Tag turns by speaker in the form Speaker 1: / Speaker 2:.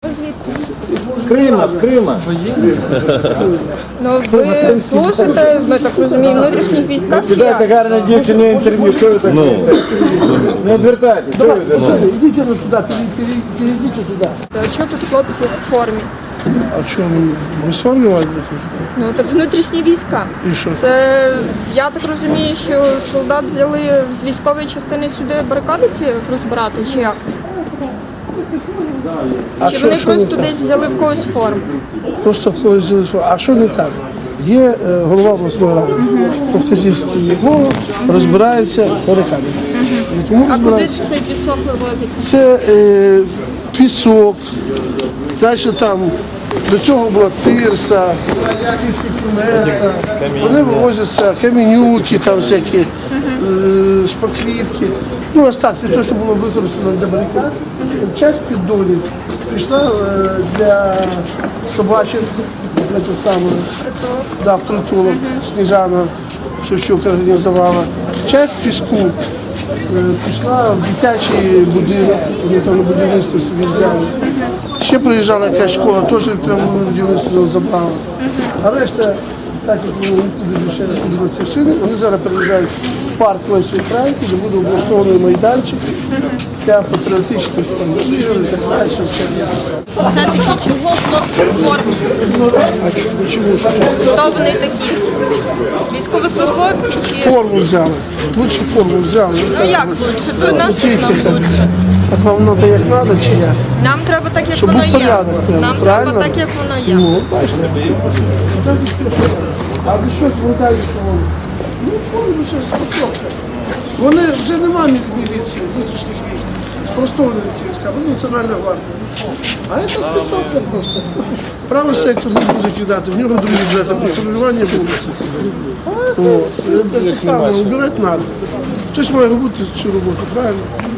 Speaker 1: Звідки?
Speaker 2: З Крима, з Крима.
Speaker 1: Ну ви служите, ми так розуміємо, в внутрішніх військах чи
Speaker 2: Дайте
Speaker 1: як?
Speaker 2: гарне дівчині інтерв'ю, що ви так робите? Не відвертайтесь, що ви відвертаєтесь?
Speaker 3: Идите ну сюда, перейдите сюда.
Speaker 1: А чого тут хлопці в формі?
Speaker 3: А что, вы сформировать будете?
Speaker 1: Ну так внутрішні війська.
Speaker 3: І що?
Speaker 1: Це, я так розумію, що солдат взяли з військової частини сюди барикади ці розбирати, чи як? Чи вони просто десь взяли в когось форму?
Speaker 3: Просто когось залишили. А що не так? Є голова обласної ради, Повказівський його розбирається барикади. Тому
Speaker 1: А куди
Speaker 3: розбирається.
Speaker 1: цей пісок вивозиться?
Speaker 3: Це пісок, далі там, до цього була тирса, всі ці колеса, вони вивозяться, каменюки там всякі, шпаклівки. Ну, остатки, те, що було використано для барикад, часть піддолів пішла для собачок, для того самого, да, в притулок, Сніжана Шевчук організувала. Часть піску пішла в дитячий будинок, вони там на будівництво собі взяли. Ще приїжджала якась школа, теж прямо на будівництво забрала. А решта, так як вони нікуди ще не ходили шини, вони зараз переїжджають в парк Лесі Українки, де буде облаштований майданчик для патріотичних ігор і так далі.
Speaker 1: Все-таки чого хлопці в формі?
Speaker 3: Чому ж?
Speaker 1: Хто вони такі? Військовослужбовці чи?
Speaker 3: Форму взяли, лучше форму взяли.
Speaker 1: Ну як лучше? То наші нам лучше.
Speaker 3: Так вам треба як треба чи як?
Speaker 1: Нам треба так, як
Speaker 3: Щоб
Speaker 1: воно
Speaker 3: був
Speaker 1: є.
Speaker 3: порядок,
Speaker 1: Нам
Speaker 3: правильно?
Speaker 1: треба так, як воно є.
Speaker 3: Ну, бачите. А ви що звертаєте, що вони? Ну, форму ще спочатку. Вони вже немає міліції, внутрішніх військ. Спростовані війська, вони Національна гвардія. А це спецовка просто. Правий сектор не буде кидати, в нього другі бюджети, патрулювання буде. Це саме, убирати треба. Хтось має робити цю роботу, правильно?